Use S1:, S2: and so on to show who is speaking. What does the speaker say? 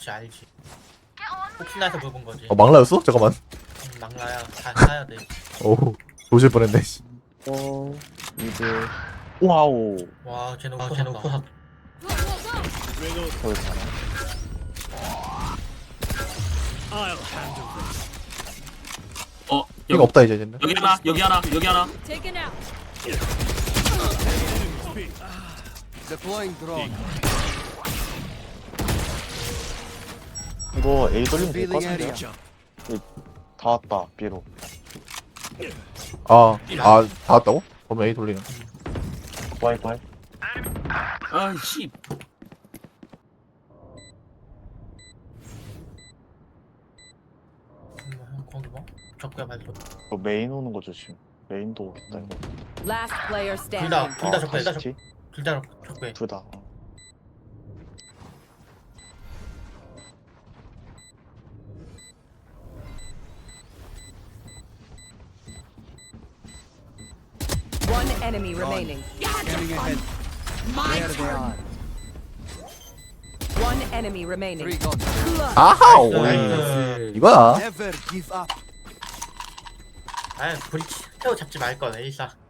S1: 그렇지 알지. 혹시나 해서 물어본 거지.
S2: 망라였어? 잠깐만.
S1: 막라야 다 사야 돼.
S2: 오, 조질 뻔했네. 씨.
S3: 이제 와우
S1: 와 쟤는 오퍼 샀다.
S3: 저기 가나?
S2: 이거 없다 이제 쟤는.
S4: 여기 하나, 여기 하나, 여기 하나.
S5: Taken out.
S6: Deploying drone.
S3: 이거 A 돌리면 될 것
S6: Revealing
S3: 같은데요?
S6: area.
S3: 다 왔다 B로
S2: 아, 다 왔다고? 그럼 A 돌리는.
S3: 와이파이
S4: 아이씨.
S1: 거기 뭐? 적구야 발도.
S3: 이거 메인 오는 거 조심 메인도 오겠다 이거
S5: Last player
S1: 둘
S5: standing.
S1: 다 적구야 둘 다
S3: 다시티?
S1: 적구야.
S3: 둘다
S5: One enemy remaining.
S6: Scanning ahead. There they are.
S5: One enemy remaining.
S6: Three gone.
S2: 아하, 오,
S1: 나이스.
S2: 이거야.
S6: Never give up.
S1: 아 브리치 태워 잡지 말 걸. 에이사.